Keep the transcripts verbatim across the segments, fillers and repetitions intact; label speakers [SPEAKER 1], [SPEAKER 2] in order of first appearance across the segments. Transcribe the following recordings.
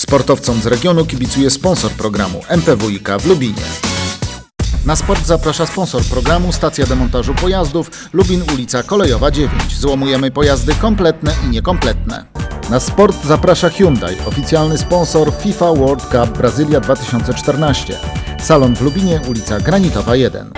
[SPEAKER 1] Sportowcom z regionu kibicuje sponsor programu M P W I K w Lubinie. Na sport zaprasza sponsor programu stacja demontażu pojazdów Lubin ulica Kolejowa dziewięć. Złomujemy pojazdy kompletne i niekompletne. Na sport zaprasza Hyundai, oficjalny sponsor FIFA World Cup Brazylia dwa tysiące czternaście. Salon w Lubinie, ulica Granitowa jeden.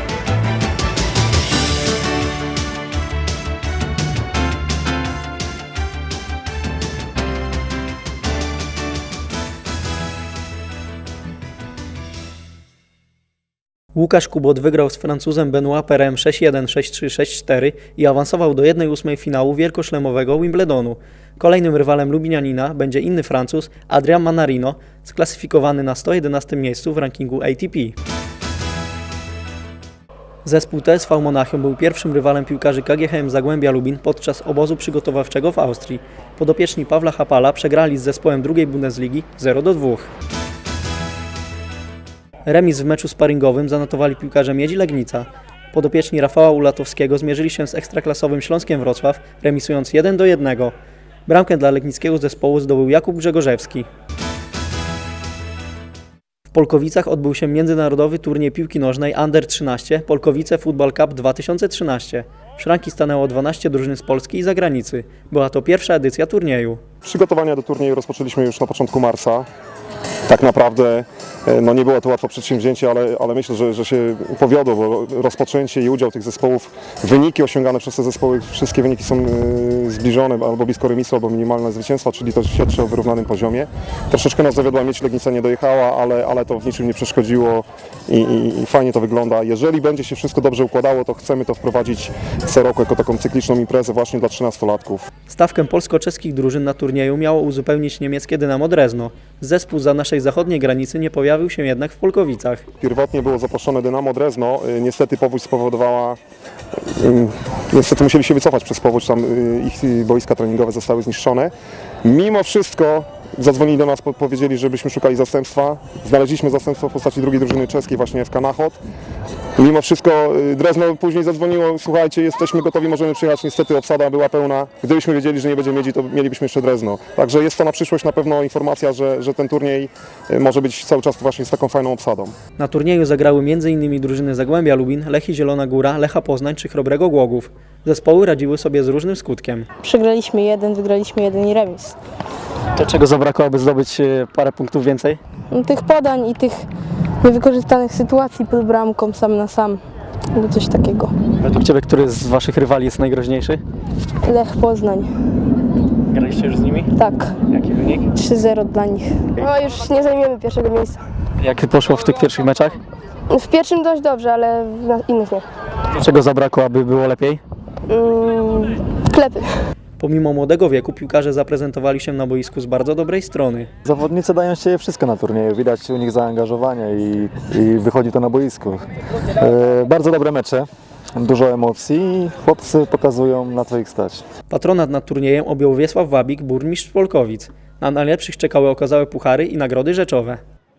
[SPEAKER 2] Łukasz Kubot wygrał z Francuzem Benoit Pairem sześć jeden, sześć trzy, sześć cztery i awansował do jednej ósmej finału wielkoszlemowego Wimbledonu. Kolejnym rywalem Lubinianina będzie inny Francuz, Adrian Manarino, sklasyfikowany na sto jedenastym miejscu w rankingu A T P. Zespół T S V Monachium był pierwszym rywalem piłkarzy K G H M Zagłębia Lubin podczas obozu przygotowawczego w Austrii. Podopieczni Pawła Hapala przegrali z zespołem drugiej Bundesligi zero do dwóch. Remis w meczu sparingowym zanotowali piłkarze Miedzi Legnica. Podopieczni Rafała Ulatowskiego zmierzyli się z ekstraklasowym Śląskiem Wrocław, remisując jeden do jednego. Bramkę dla legnickiego zespołu zdobył Jakub Grzegorzewski. W Polkowicach odbył się międzynarodowy turniej piłki nożnej Under trzynaście Polkowice Football Cup dwa tysiące trzynaście. W szranki stanęło dwanaście drużyn z Polski i zagranicy. Była to pierwsza edycja turnieju.
[SPEAKER 3] Przygotowania do turnieju rozpoczęliśmy już na początku marca. Tak naprawdę no nie było to łatwe przedsięwzięcie, ale, ale myślę, że, że się powiodło, bo rozpoczęcie i udział tych zespołów, wyniki osiągane przez te zespoły, wszystkie wyniki są y, zbliżone, albo blisko remisu, albo minimalne zwycięstwa, czyli to świadczy o wyrównanym poziomie. Troszeczkę nas zawiodła, Miedź Legnica nie dojechała, ale, ale to w niczym nie przeszkodziło i, i, i fajnie to wygląda. Jeżeli będzie się wszystko dobrze układało, to chcemy to wprowadzić co roku jako taką cykliczną imprezę właśnie dla trzynastolatków.
[SPEAKER 2] Stawkę polsko-czeskich drużyn na turnieju miało uzupełnić niemieckie Dynamo Drezno. Zespół za naszej zachodniej granicy nie pojawił się jednak w Polkowicach.
[SPEAKER 3] Pierwotnie było zaproszone Dynamo Drezno, niestety powódź spowodowała, niestety musieli się wycofać przez powódź, tam ich boiska treningowe zostały zniszczone. Mimo wszystko zadzwonili do nas, powiedzieli, żebyśmy szukali zastępstwa. Znaleźliśmy zastępstwo w postaci drugiej drużyny czeskiej, właśnie F K Nachod. Mimo wszystko Drezno później zadzwoniło, słuchajcie, jesteśmy gotowi, możemy przyjechać, niestety obsada była pełna. Gdybyśmy wiedzieli, że nie będziemy mieli, to mielibyśmy jeszcze Drezno. Także jest to na przyszłość na pewno informacja, że, że ten turniej może być cały czas właśnie z taką fajną obsadą.
[SPEAKER 2] Na turnieju zagrały m in drużyny Zagłębia Lubin, Lechii Zielona Góra, Lecha Poznań czy Chrobrego Głogów. Zespoły radziły sobie z różnym skutkiem.
[SPEAKER 4] Przegraliśmy jeden, wygraliśmy jeden i remis.
[SPEAKER 2] To czego zabrakło, aby zdobyć parę punktów więcej?
[SPEAKER 4] No, tych podań i tych niewykorzystanych sytuacji pod bramką sam na sam. Albo coś takiego.
[SPEAKER 2] Według Ciebie, który z Waszych rywali jest najgroźniejszy?
[SPEAKER 4] Lech Poznań.
[SPEAKER 2] Graliście już z nimi?
[SPEAKER 4] Tak.
[SPEAKER 2] Jaki wynik?
[SPEAKER 4] trzy zero dla nich. No już nie zajmiemy pierwszego miejsca.
[SPEAKER 2] Jak poszło w tych pierwszych meczach?
[SPEAKER 4] W pierwszym dość dobrze, ale w innych nie.
[SPEAKER 2] Czego zabrakło, aby było lepiej?
[SPEAKER 4] Mm, klepy.
[SPEAKER 2] Pomimo młodego wieku piłkarze zaprezentowali się na boisku z bardzo dobrej strony.
[SPEAKER 5] Zawodnicy dają się wszystko na turnieju, widać u nich zaangażowanie i, i wychodzi to na boisku. E, bardzo dobre mecze, dużo emocji i chłopcy pokazują, na co ich stać.
[SPEAKER 2] Patronat nad turniejem objął Wiesław Wabik, burmistrz Polkowic. Na najlepszych czekały okazałe puchary i nagrody rzeczowe.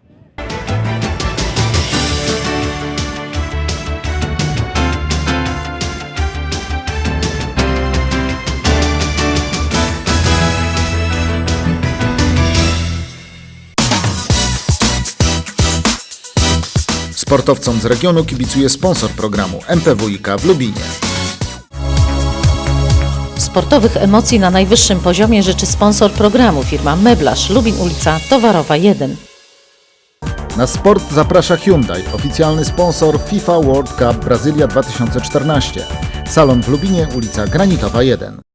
[SPEAKER 1] Sportowcom z regionu kibicuje sponsor programu M P W I K w Lubinie.
[SPEAKER 6] Sportowych emocji na najwyższym poziomie życzy sponsor programu firma Meblarz Lubin ulica Towarowa jeden.
[SPEAKER 1] Na sport zaprasza Hyundai, oficjalny sponsor FIFA World Cup Brazylia dwa tysiące czternaście. Salon w Lubinie, ulica Granitowa jeden.